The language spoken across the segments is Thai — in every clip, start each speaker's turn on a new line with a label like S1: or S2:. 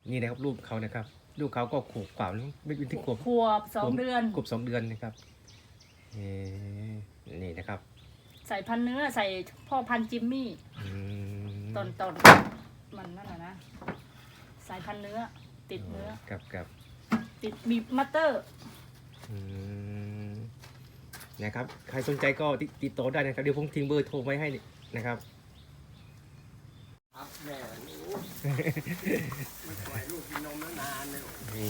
S1: นี่นะครับรูปเขานะครับรูปเขาก็ขวบกว่าไม่เป็นที่ขวบ
S2: 2 เดือน
S1: ขวบ2 เดือนนะครับนี่นะครับ
S2: ใส่พันเนื้อใส่พ่อพันจิมมี่ตอนมันนั่นนะสายพันเนื้อติดเนื้อ
S1: กับ
S2: ติดมีมัตเตอร์
S1: นะครับใครสนใจก็ติดต่อได้นะครับเดี๋ยวผมทิ้งเบอร์โทรไว้ให้นะครับ
S3: ครับแม่หนูไม่ปล่อยลูกกินนมนานเลย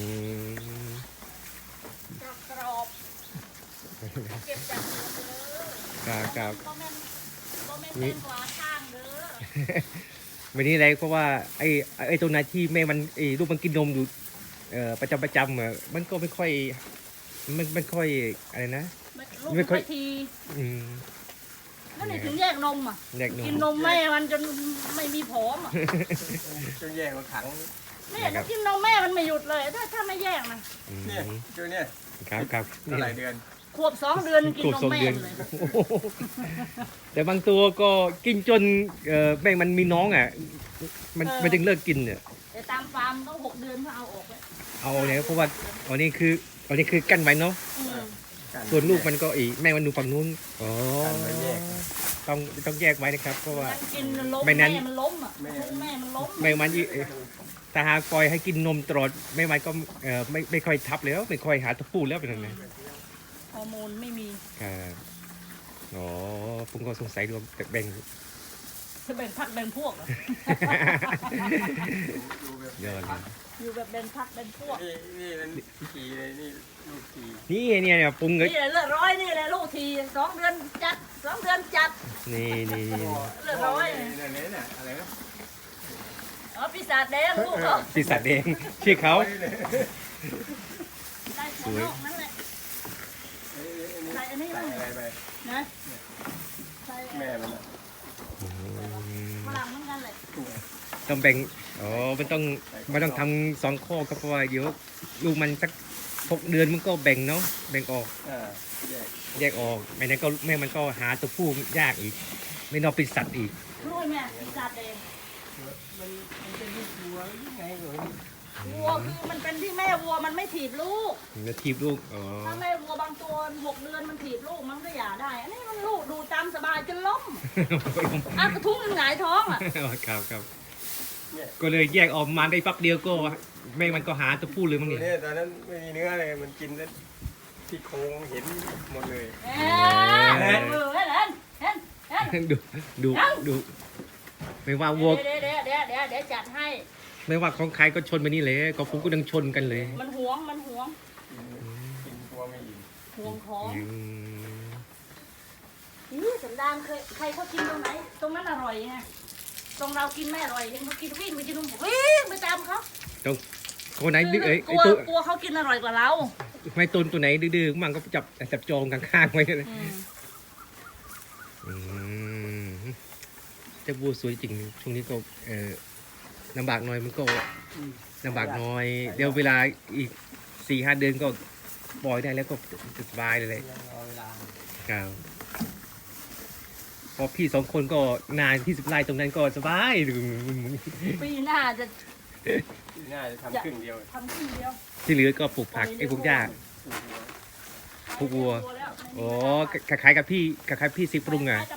S2: กรอบเก็บจากหัวเลย
S1: ครับ
S2: ก็แม่นกว่าข้างเด้อ
S1: วันนี้อะไรเพราะว่าไอ้ตัวนั้นที่แม่มันลูกมันกินนมอยู่ประจำมันก็ไม่ค่อยอะไรนะ
S2: ไม่ค่อยทีนั่นถึงแยกนมอ่ะกินนมแม่มันจนไม่มีผอมอ่ะ
S3: จนแยกถัง
S2: เนี่ยกินนมแม่มันไม่หยุดเลยถ้าไม่แยกนะ
S3: เนี่ยตัวเนี่ย
S1: ครับ
S3: หลายเดือน
S2: ขวบ2 เดือนกินนมแม่เลย
S1: แต่บางตัวก็กินจนแม่มันมีน้องอ่ะมันจึงเลิกกินเนี่ย
S2: แต่ตามฟาร์มต้อง6 เดือนเขาเอาออกแล้ว
S1: เอาเนี่ยเพราะว่าอันนี้คือกั้นไว้เนาะส่วนลูกมันก็แม่มันดูฝั่งนู้นต้องแยกไว้นะครับเพราะว่า
S2: ไม่นั้นมันล้มอ่ะแม่มันล้ม
S1: แม่มันแต่หากปล่อยให้กินนมตลอดแม่มันก็ไม่ค่อยทับแล้วไม่ค่อยหาตัวผู้แล้วเป็นยังไง
S2: ฮอร์โมนไม่มี
S1: อ๋อผมก็สงสัยรวมแบ่ง
S2: พักแบ่งพวก
S1: ยอด
S2: อยู่แบบแบ่งพักแบ่งพวก
S3: นี่มันทีเลยนี่ลูกที
S1: นี่เนี่ยปรุงเลย
S2: นี่เลือดร้อยนี่แหละลูกที2 เดือนจัด2 เดือนจัด
S1: นี่
S2: เลือดร้อย
S3: เนี่ยอะไรนะ
S2: ปีศาจแดงลูกเขา
S1: ปีศาจแดงชื่อเขา
S2: สวยนั่นแหละใส่อันนี้
S3: อะไรไป
S2: นะ
S3: แม่มัน
S2: ฝรั่งเหมือนกันเลย
S1: ต้องแบ่งมันต้องทำ2 ข้อครับเพราะว่าเดี๋ยวลูกมันสัก6 เดือนมันก็แบ่งเนาะแบ่งออกแยกออกไม่นั้นก็แม่มันก็หาตัวผู้ยากอีกไม่นอกเป็นสัตว์อีก
S2: รู้ไหมปีศาจแดง
S3: มันเป็นวัวยังไงหนู
S2: วัวคือมันเป็นที่แม่วัวมันไม่ถีบลูก
S1: มันถีบลูก
S2: ถ้าแม่วัวบางตัว6 เดือนมันถีบลูกมันก็หย่าได้อันนี้มันลูกดูตามสบายจนล้มกระทุ้งหงายท้องอ่ะ
S1: ครับก็เลยแยกออกมาได้ปั๊บเดียวก็แม่มันก็หาตัวผู้เลยมั้ง
S3: เนี่ยตอนนั้นไม่มีเนื้อเลยมันกินแล้วที่โครงเห็นหมดเลย
S1: ดูไม่ว่าวัว
S2: เดี๋ยวจัดให้
S1: ไม่ว่าของใครก็ชนไปนี่เลยก็ผมก็ดังชนกันเลย
S2: มันหวง
S3: กินตัวไม่อิ่ม
S2: หวงของนี่สันดานใครเขากินตรงไหนตรงนั้นอร่อยไงตรงเรากินไม่อร่อยเห็นเขากินวิ่งไปกินวิ่งไปตามเขา
S1: ตรงคนไหนดื้อ
S2: กลัวเขากินอร่อยกว่าเรา
S1: ไม่ตนตัวไหนดื้อมันก็จับจองข้างๆไว้เลยแต่บัวสวยจริงช่วงนี้ก็ลำบากน้อยมันก็ลำบากน้อยเดี๋ยวเวลาอีก4-5 เดือนก็ปล่อยได้แล้วก็สบายเลยครับพอพี่2 คนก็นานที่10 ไร่ตรงนั้นก็สบาย
S2: ปีหน้าจะ
S3: ทำครึ่งเดียว
S1: ที่เหลือก็ปลูกผักปลูกหญ้าปลูกวัวคล้ายกับพี่สิปรุงอ่ะ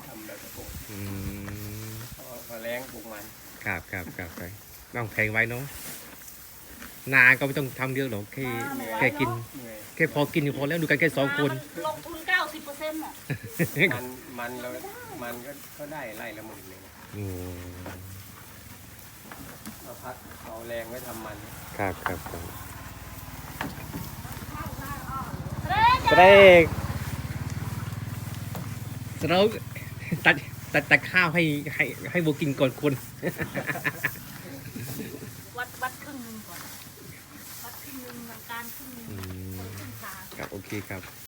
S3: แรงปลูกมัน
S1: ครับต้องแพงไว้เนาะนาก็ไม่ต้องทำเยอะหรอกแค่กินแค่พอกินอยู่พอแล้วดูกันแค่2 คน
S2: ลงทุน 90%อ่ะ
S3: มันก็ได้ไร่ละ10,000เลยเราพักเอาแรงไว้ทำมัน
S1: ครับเราตัดข้าวให้วัวกินก่อนคน
S2: วัดครึ่งนึงก่อนวัดครึ่งนึงการครึ่งนึงครึ่งขา
S1: ครับโอเคครับ